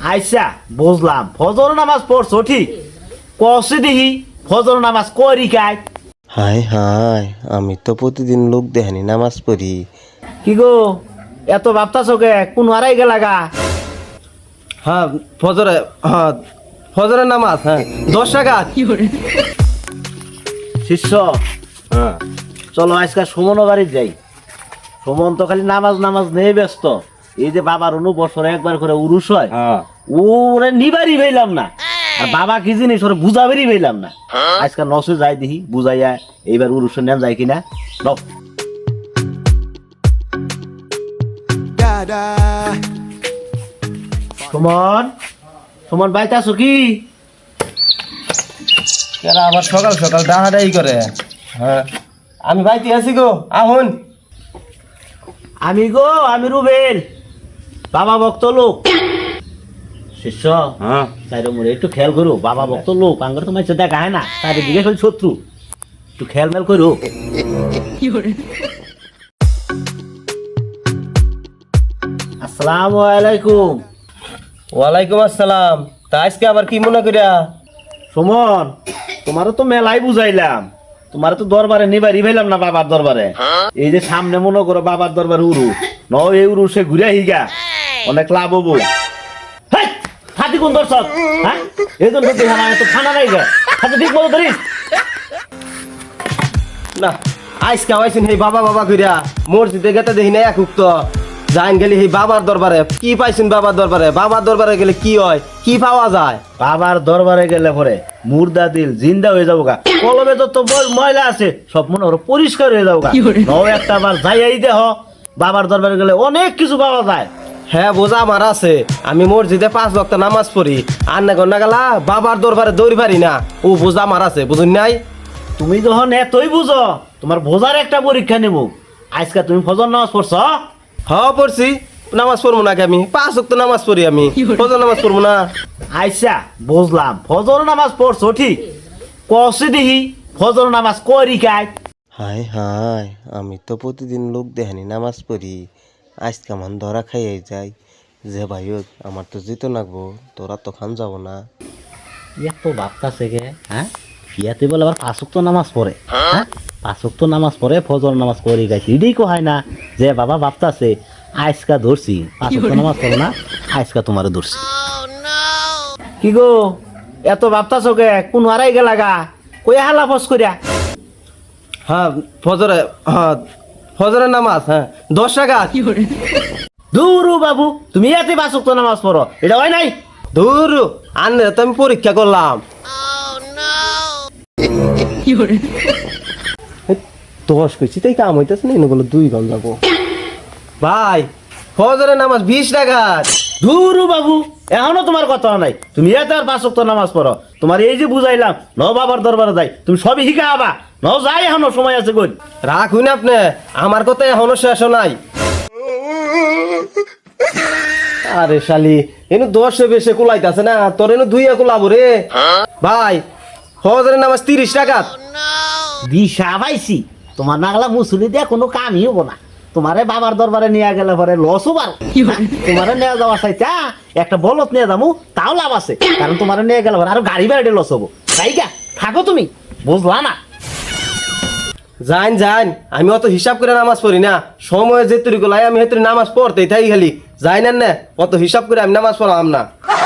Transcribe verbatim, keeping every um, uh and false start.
আইসা বুঝলাম ফজর নামাজ পড়ছো ঠিক কষে দেখি ফজর নামাজ করি কাই। হাই হাই আমি তো প্রতিদিন লোক দেখেনি নামাজ পড়ি। কি গো এত ভাবতাছো কে কোন হারাই গেলা গা? হ্যাঁ ফজরে হ্যাঁ ফজরের নামাজ হ্যাঁ দশ টাকা। শিষ্য হ্যাঁ চলো আজকে সুমন বাড়ি যাই। সুমন তো খালি নামাজ নামাজ নেই ব্যস্ত। এই যে বাবার অনু বছরে একবার করে উরুস হয় হ্যাঁ ওরে নিবারই পেলাম না। আর বাবা কি জিনিস ওরে বুঝাবেরই পেলাম না। আজকে নসে যাই দেখি বুঝাইয়া এইবার উরুসের নেম যায় কিনা। রব সুমন সুমন বাইতে আছো কি? এরা আবার সকাল সকাল ডাহাডাই করে। হ্যাঁ আমি ভাইতে আছি গো আহুন। আমি গো আমি রুবেল বাবা ভক্ত লোক। শিষ্য হ্যাঁ চাইরো মোড়ে একটু খেয়াল করো। বাবা ভক্ত লোক আঙ্গর তো মাইছে দেখা হয় না চারিদিকে খালি শত্রু। একটু খেয়াল মেল করো। আসসালামু আলাইকুম। ওয়ালাইকুম আসসালাম। তা আজকে আবার কি মনে করিয়া? সুমন তোমারও তো মেলাই বুঝাইলাম, তোমার তো দরবারে নিবারি ভাইলাম না বাবার দরবারে। এই যে সামনে মনে করো বাবার দরবারে উরু ন এই উরু সে ঘুরে হিগা অনেক লাভ হবো। হেই, হাতি কোন দর্শক হ্যাঁ এই জন্য তো আমার তো খানা নাই গা হাতে ঠিক মতো ধরিস না আজকে আইসিন এই বাবা বাবা করিয়া মসজিদে গেতে দেখি না এক উক্ত যাইন গেলি এই বাবার দরবারে কি পাইছেন? বাবার দরবারে বাবার দরবারে গেলে কি হয় কি পাওয়া যায়? বাবার দরবারে গেলে পরে মুর্দা দিল জিন্দা হয়ে যাবো গা। কলমে যত বল- ময়লা আছে সব মনে করো পরিষ্কার হয়ে যাবো গা। নও একটা বার যাইয়াই দেহ বাবার দরবারে গেলে অনেক কিছু পাওয়া যায়। হ্যাঁ বোঝা আমার আছে, আমি মসজিদে পাঁচ ওয়াক্ত নামাজ পড়ি আর না গন্না গেলা বাবার দরবারে দৌড়ি পারি না। ও বোঝা আমার আছে বুঝুন নাই? তুমি যখন এতই বুঝো তোমার বোঝার একটা পরীক্ষা নেব। আজকে তুমি ফজর নামাজ পড়ছ? হ পড়ছি। নামাজ পড়বো নাকি আমি? পাঁচ ওয়াক্ত নামাজ পড়ি আমি, ফজর নামাজ পড়বো না? আইসা বুঝলাম ফজর নামাজ পড়ছো ঠিক কষে দেখি ফজর নামাজ করি কাই। হাই হাই আমি তো প্রতিদিন লোক দেখেনি নামাজ পড়ি। আজকে আমার ধরা খাইয়াই যাই যে ভাই হোক আমার তো যেতে লাগবো, তোরা তো খান যাব না। এত ভাবতাছে গে হ্যাঁ ইয়াতে বলে আবার পাঁচক তো নামাজ পড়ে হ্যাঁ পাঁচক তো নামাজ পড়ে ফজর নামাজ করি গাইছি এটাই কো হয় না যে বাবা ভাবতাছে আজকা ধরছি পাঁচক তো নামাজ পড়ে না আজকা তোমারে ধরছি। কি গো এত ভাবতাছো গে কোন হারাই গেলা গা? কই হালা ফস করিয়া? হ্যাঁ ফজরে হ্যাঁ ফজরের নামাজ হ্যাঁ দশ টাকা। দূরু বাবু তুমি ইয়াতে পাঁচক তো নামাজ পড়ো এটা হয় নাই? ধুর আনলে তো আমি পরীক্ষা করলাম। দশ কইছি তাই কাম হইতেছে না এগুলো দুই ঘন যাবো। ভাই ফজরের নামাজ বিশ টাকা। দূরু বাবু এখনো তোমার কথা নাই। তুমি এত আর পাঁচ ওয়াক্ত নামাজ পড়ো। তোমার এই যে বুঝাইলাম ন বাবার দরবারে যাই তুমি সবই শিখা আবা ন যাই এখনো সময় আছে কই। রাখুন আপনি আমার কথা এখনো শেষ নাই। আরে শালি এনু দশে বেশি কুলাইতেছে না তোর এনু দুইয়া কুলাবো রে। ভাই ফজরের নামাজ তিরিশ টাকা। দিশা পাইছি তোমার নাগলা মুসুলি দিয়ে কোনো কামই হবো না। তোমারে বাবার দরবারে নিয়ে গেলে পরে লস হবার। তোমারে নিয়ে যাওয়া চাইতা একটা বলত নিয়ে যাবো তাও লাভ আছে, কারণ তোমারে নিয়ে গেলে পরে আরো গাড়ি বাড়ি লস হবো। তাই গা থাকো তুমি বুঝলা না? যাইন যাইন আমি অত হিসাব করে নামাজ পড়ি না, সময় যেতুরি গুলাই আমি হেতুরি নামাজ পড়তেই থাকি খালি। যাই না অত হিসাব করে আমি নামাজ পড়াম না।